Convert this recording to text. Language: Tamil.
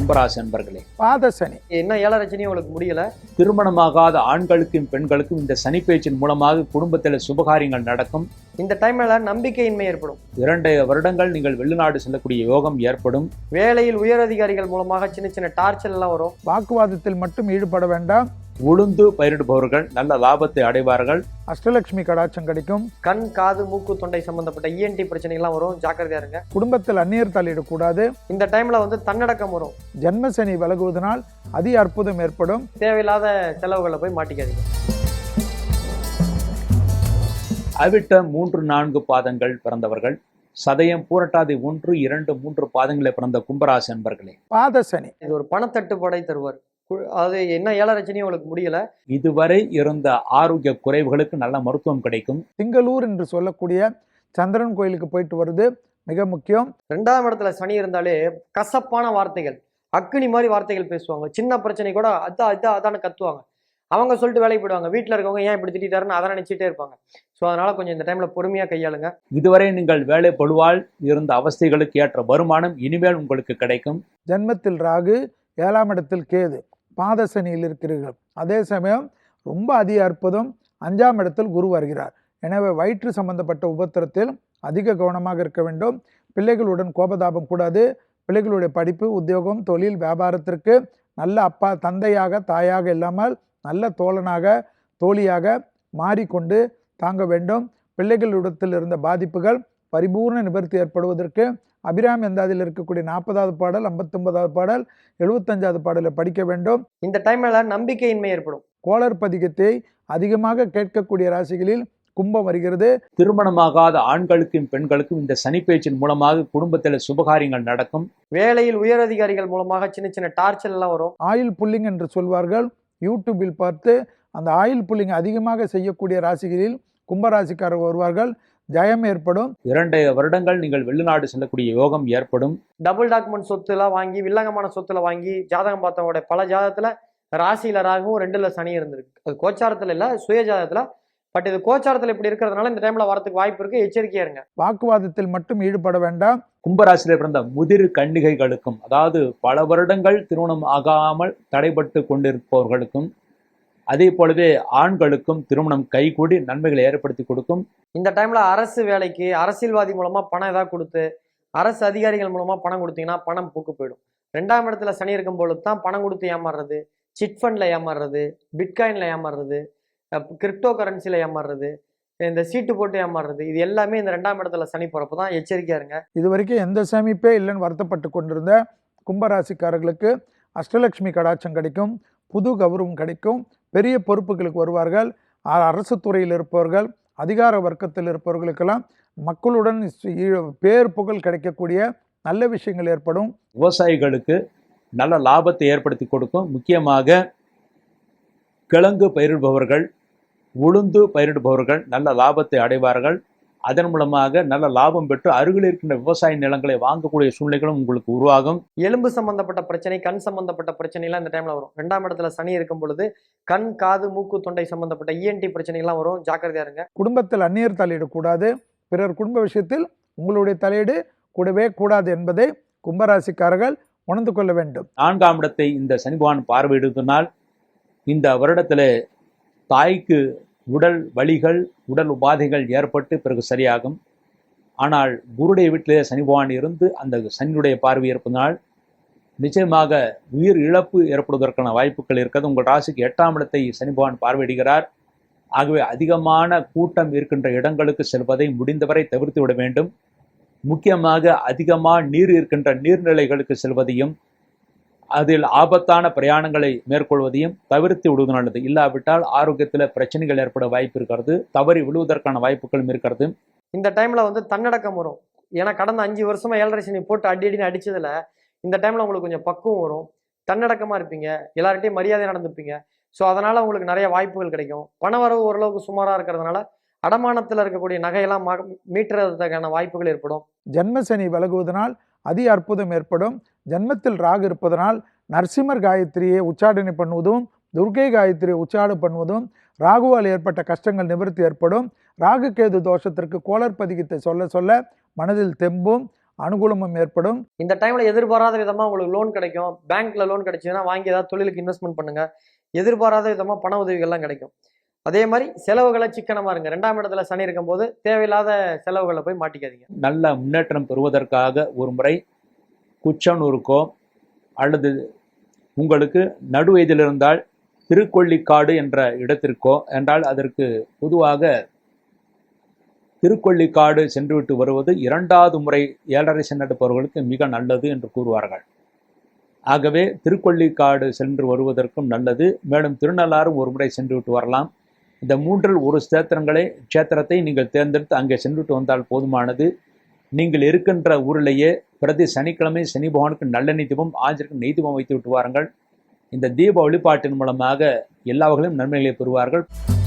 கும்பராசி அன்பர்களே, பாத சனி என்ன 7 ரஜினி உங்களுக்கு முடியல. திருமணமாகாத ஆண்களுக்கும் பெண்களுக்கும் இந்த சனி பேச்சின் மூலமாக குடும்பத்தில் சுபகாரியங்கள் நடக்கும். இந்த டைம்ல நம்பிக்கையின்மை ஏற்படும். 2 வருடங்கள் நீங்கள் வெளிநாடு செல்லக்கூடிய யோகம் ஏற்படும். வேலையில் உயர் அதிகாரிகள் மூலமாக சின்ன சின்ன டார்ச்சர் எல்லாம் வரும். வாக்குவாதத்தில் மட்டும் ஈடுபட வேண்டாம். உளுந்து பயிரிடுபவர்கள் நல்ல லாபத்தை அடைவார்கள். அஷ்டலட்சுமி கடாட்சம் கிடைக்கும். கண், காது, மூக்கு, தொண்டை சம்பந்தப்பட்ட ENT பிரச்சனைகள்லாம் வரும். ஜாக்கிரதையா இருங்க. குடும்பத்தில் அந்நியர் தலையிடக்கூடாது. இந்த டைம்ல தன்னடக்கம் வரும். ஜென்ம சனி விலகுவதனால் அதி அற்புதம் ஏற்படும். தேவையில்லாத செலவுகளை போய் மாட்டிக்காதீங்க. அவிட்ட 3, 4 பாதங்கள் பிறந்தவர்கள், சதயம், பூரட்டாதி 1, 2, 3 பாதங்களை பிறந்த கும்பராசி அன்பர்களே, பாத சனி இது ஒரு பணத்தட்டுப்பாடை தருவார். அது என்ன 7 ரஜினி உங்களுக்கு முடியல. இதுவரை இருந்த ஆரோக்கிய குறைவுகளுக்கு நல்ல மருத்துவம் கிடைக்கும். திங்களூர் என்று சொல்லக்கூடிய சந்திரன் கோயிலுக்கு போயிட்டு வருது மிக முக்கியம். 2ஆம் இடத்துல சனி இருந்தாலே கசப்பான வார்த்தைகள், அக்னி மாதிரி வார்த்தைகள் பேசுவாங்க. சின்ன பிரச்சனை கூட அதான கத்துவாங்க. அவங்க சொல்லிட்டு வேலைக்கு போயிடுவாங்க. வீட்டில் இருக்கவங்க ஏன் இப்படி திட்டாருன்னு அதை நினைச்சிட்டே இருப்பாங்க. ஸோ அதனால கொஞ்சம் இந்த டைம்ல பொறுமையா கையாளுங்க. இதுவரை நீங்கள் வேலை பளுவால் இருந்த அவஸ்தைகளுக்கு ஏற்ற வருமானம் இனிமேல் உங்களுக்கு கிடைக்கும். ஜென்மத்தில் ராகு, 7ஆம் இடத்தில் கேது, பாத சனியில் இருக்கிறீர்கள். அதே சமயம் ரொம்ப அதிக அற்புதம் 5ஆம் இடத்தில் குரு வருகிறார். எனவே வயிற்று சம்பந்தப்பட்ட உபத்திரத்தில் அதிக கவனமாக இருக்க வேண்டும். பிள்ளைகளுடன் கோபதாபம் கூடாது. பிள்ளைகளுடைய படிப்பு, உத்தியோகம், தொழில், வியாபாரத்திற்கு நல்ல அப்பா, தந்தையாக, தாயாக இல்லாமல் நல்ல தோழனாக, தோழியாக மாறிக்கொண்டு தாங்க வேண்டும். பிள்ளைகளிடத்தில் இருந்த பாதிப்புகள் பரிபூர்ண நிவர்த்தி ஏற்படுவதற்கு அபிராமி அந்தாதியில் இருக்கக்கூடிய 40வது பாடல், 59வது பாடல், 75வது பாடலை படிக்க வேண்டும். இந்த டைம்ல நம்பிக்கையின்மை ஏற்படும். கோளர் பதிகத்தை அதிகமாக கேட்கக்கூடிய ராசிகளில் கும்பம் வருகிறது. திருமணமாகாத ஆண்களுக்கும் பெண்களுக்கும் இந்த சனி பேச்சின் மூலமாக குடும்பத்தில் சுபகாரியங்கள் நடக்கும். வேலையில் உயர் அதிகாரிகள் மூலமாக சின்ன சின்ன டார்ச்சர் எல்லாம் வரும். ஆயில் புல்லிங் என்று சொல்வார்கள். யூடியூபில் பார்த்து அந்த ஆயில் புல்லிங் அதிகமாக செய்யக்கூடிய ராசிகளில் கும்பராசிக்காரர் வருவார்கள். ஜெயம் ஏற்படும். 2 வருடங்கள் நீங்கள் வெளிநாடு செல்லக்கூடிய யோகம் ஏற்படும். டபுள் டாக்குமெண்ட் சொத்துலாம் வாங்கி, வில்லங்கமான சொத்துல வாங்கி, ஜாதகம் பார்த்தவங்களுடைய பல ஜாதகத்துல ராசியில ராகவும் 2ல சனி இருந்திருக்கு. அது கோச்சாரத்துல இல்ல, சுய ஜாதகத்துல. பட் இது கோச்சாரத்துல இப்படி இருக்கிறதுனால இந்த டைம்ல வரதுக்கு வாய்ப்பு இருக்கு. எச்சரிக்கையா இருங்க. வாக்குவாதத்தில் மட்டும் ஈடுபட வேண்டாம். கும்பராசியில பிறந்த முதிர் கன்னிகைகளுக்கும், அதாவது பல வருடங்கள் திருமணம் ஆகாமல் தடைபட்டு கொண்டிருப்பவர்களுக்கும், அதே போலவே ஆண்களுக்கும் திருமணம் கைகூடி நன்மைகளை ஏற்படுத்தி கொடுக்கும். இந்த டைம்ல அரசு வேலைக்கு அரசியல்வாதி மூலமா பணம் ஏதாவது கொடுத்து, அரசு அதிகாரிகள் மூலமா பணம் கொடுத்தீங்கன்னா பணம் பூக்கு போயிடும். 2ஆம் இடத்துல சனி இருக்கும் பொழுது தான் பணம் கொடுத்து ஏமாறுறது, சிட் ஃபண்ட்ல ஏமாறுறது, பிட்காயின்ல ஏமாறுறது, கிரிப்டோ கரன்சில ஏமாறுறது, இந்த சீட்டு போட்டு ஏமாறுறது, இது எல்லாமே இந்த 2ஆம் இடத்துல சனி போறப்ப தான். எச்சரிக்கையா இருங்க. இது வரைக்கும் எந்த சேமிப்பே இல்லைன்னு வருத்தப்பட்டு கொண்டிருந்த கும்பராசிக்காரர்களுக்கு அஷ்டலட்சுமி கடாட்சம் கிடைக்கும். புது கௌரவம் கிடைக்கும். பெரிய பொறுப்புகளுக்கு வருவார்கள். அரசு துறையில் இருப்பவர்கள், அதிகார வர்க்கத்தில் இருப்பவர்களுக்கெல்லாம் மக்களுடன் பேர் புகழ் கிடைக்கக்கூடிய நல்ல விஷயங்கள் ஏற்படும். விவசாயிகளுக்கு நல்ல லாபத்தை ஏற்படுத்தி கொடுக்கும். முக்கியமாக கிழங்கு பயிரிடுபவர்கள், உளுந்து பயிரிடுபவர்கள் நல்ல லாபத்தை அடைவார்கள். அதன் மூலமாக நல்ல லாபம் பெற்று அருகில் இருக்கின்ற விவசாய நிலங்களை வாங்கக்கூடிய சூழ்நிலைகளும் உங்களுக்கு உருவாகும். எலும்பு சம்பந்தப்பட்ட பிரச்சனை, கண் சம்பந்தப்பட்ட பிரச்சனை எல்லாம் இந்த டைம்ல வரும். 2ஆம் இடத்துல சனி இருக்கும் பொழுது கண், காது, மூக்கு, தொண்டை சம்பந்தப்பட்ட ENT பிரச்சனைகள்லாம் வரும். ஜாக்கிரதையா இருங்க. குடும்பத்தில் அந்நியர் தலையிடக்கூடாது. பிறர் குடும்ப விஷயத்தில் உங்களுடைய தலையீடு கூடவே கூடாது என்பதை கும்பராசிக்காரர்கள் உணர்ந்து கொள்ள வேண்டும். 4ஆம் இடத்தை இந்த சனி பகவான் பார்வையிடுவதனால் இந்த வருடத்தில் தாய்க்கு உடல் வலிகள், உடல் உபாதைகள் ஏற்பட்டு பிறகு சரியாகும். ஆனால் குருடைய வீட்டிலே சனி பகவான் இருந்து அந்த சனியுடைய பார்வை இருப்பதனால் நிச்சயமாக உயிர் இழப்பு ஏற்படுவதற்கான வாய்ப்புகள் இருக்கிறது. உங்கள் ராசிக்கு 8ஆம் இடத்தை சனி பகவான் பார்வையிடுகிறார். ஆகவே அதிகமான கூட்டம் இருக்கின்ற இடங்களுக்கு செல்வதை முடிந்தவரை தவிர்த்து விட வேண்டும். முக்கியமாக அதிகமாக நீர் இருக்கின்ற நீர்நிலைகளுக்கு செல்வதையும், அதில் ஆபத்தான பிரயாணங்களை மேற்கொள்வதையும் தவிர்த்து விடுவது நல்லது. இல்லாவிட்டால் ஆரோக்கியத்தில் பிரச்சனைகள் ஏற்பட வாய்ப்பு இருக்கிறது. தவறி விழுவதற்கான வாய்ப்புகளும் இருக்கிறது. இந்த டைம்ல தன்னடக்கம் வரும். ஏன்னா கடந்த 5 வருஷமா 7 சனி போட்டு அடின்னு அடிச்சதுல இந்த டைம்ல உங்களுக்கு கொஞ்சம் பக்குவம் வரும். தன்னடக்கமா இருப்பீங்க. எல்லார்ட்டையும் மரியாதை நடந்துப்பீங்க. ஸோ அதனால உங்களுக்கு நிறைய வாய்ப்புகள் கிடைக்கும். பணவரவு ஓரளவுக்கு சுமாரா இருக்கிறதுனால அடமானத்தில் இருக்கக்கூடிய நகையெல்லாம் மீட்டுறதுக்கான வாய்ப்புகள் ஏற்படும். ஜென்ம சனி விலகுவதனால் அதி அற்புதம் ஏற்படும். ஜென்மத்தில் ராகு இருப்பதனால் நரசிம்மர் காயத்ரியை உச்சாடனை பண்ணுவதும், துர்கை காயத்ரியை உச்சாடு பண்ணுவதும், ராகுவால் ஏற்பட்ட கஷ்டங்கள் நிவர்த்தி ஏற்படும். ராகு கேது தோஷத்திற்கு கோளர் பதிகத்தை சொல்ல சொல்ல மனதில் தெம்பும் அனுகூலமும் ஏற்படும். இந்த டைம்ல எதிர்பாராத விதமா உங்களுக்கு லோன் கிடைக்கும். பேங்க்ல லோன் கிடைச்சதுன்னா வாங்கி ஏதாவது தொழிலுக்கு இன்வெஸ்ட்மெண்ட் பண்ணுங்க. எதிர்பாராத விதமா பண உதவிகள்லாம் கிடைக்கும். அதே மாதிரி செலவுகளை சிக்கனமா இருங்க. 2ஆம் இடத்துல சனி இருக்கும்போது தேவையில்லாத செலவுகளை போய் மாட்டிக்காதீங்க. நல்ல முன்னேற்றம் பெறுவதற்காக ஒரு முறை குச்சனூருக்கோ அல்லது உங்களுக்கு நடு வயதில் இருந்தால் திருக்கொள்ளிக்காடு என்ற இடத்திற்கோ என்றால் அதற்கு பொதுவாக திருக்கொள்ளிக்காடு சென்றுவிட்டு வருவது 2வது முறை 7.5 சனி நடப்பவர்களுக்கு மிக நல்லது என்று கூறுவார்கள். ஆகவே திருக்கொள்ளிக்காடு சென்று வருவதற்கும் நல்லது. மேலும் திருநள்ளாறும் ஒரு முறை சென்றுவிட்டு வரலாம். இந்த 3இல் ஒரு க்ஷேத்திரத்தை நீங்கள் தேர்ந்தெடுத்து அங்கே சென்றுவிட்டு வந்தால் போதுமானது. நீங்கள் இருக்கின்ற ஊரிலேயே பிரதி சனிக்கிழமை சனி பகவானுக்கு நல்லெண்ணெய் தீபம், ஆஞ்சருக்கு நெய் தீபம் வைத்து விட்டு வாருங்கள். இந்த தீப வழிபாட்டின் மூலமாக எல்லா வகையிலும் நன்மைகளை பெறுவார்கள்.